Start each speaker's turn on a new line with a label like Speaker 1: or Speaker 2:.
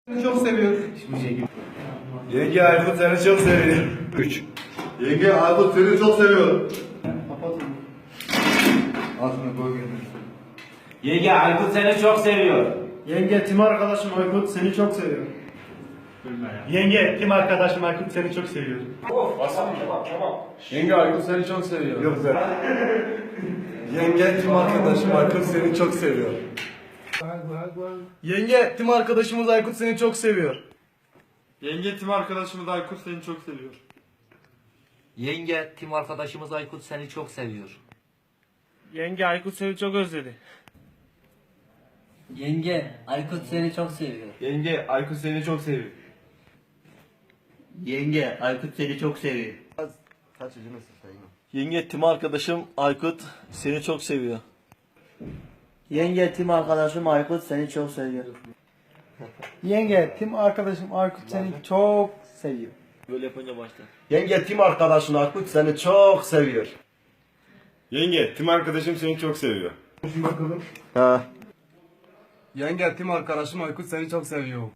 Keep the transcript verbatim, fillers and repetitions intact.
Speaker 1: Seni çok seviyor.
Speaker 2: Yenge Aykut seni çok seviyor. üç.
Speaker 3: Yenge Aykut seni çok seviyor.
Speaker 2: Altını koy gene.
Speaker 4: Yenge Aykut seni çok seviyor.
Speaker 1: Yenge, tim arkadaşım Aykut seni çok seviyor.
Speaker 5: Yenge, kim arkadaşım Aykut seni çok seviyor.
Speaker 1: Yenge Aykut seni çok seviyor.
Speaker 2: Yok sen. Yenge tüm arkadaşım Aykut seni çok seviyor.
Speaker 1: Yenge, tim arkadaşımız Aykut seni çok seviyor.
Speaker 6: Yenge tim arkadaşımız Aykut seni çok seviyor.
Speaker 7: Yenge, tim arkadaşımız Aykut seni çok seviyor.
Speaker 5: Yenge, Aykut seni çok özledi.
Speaker 7: Yenge, Aykut seni çok seviyor.
Speaker 2: Yenge Aykut seni çok seviyor.
Speaker 7: Yenge, Aykut seni çok seviyor.
Speaker 2: Kaçıncı nesil sayın?
Speaker 8: Yenge tim arkadaşım Aykut seni çok seviyor.
Speaker 7: Yenge, tim arkadaşım Aykut seni çok seviyor.
Speaker 1: Yenge, tim arkadaşım Aykut seni çok seviyor.
Speaker 8: Böyle yapınca başlar.
Speaker 2: Yenge tüm arkadaşın Aykut seni çok seviyor.
Speaker 3: Yenge tim arkadaşım seni çok seviyor.
Speaker 2: Ha.
Speaker 1: Yenge, tim arkadaşım Aykut seni çok seviyor.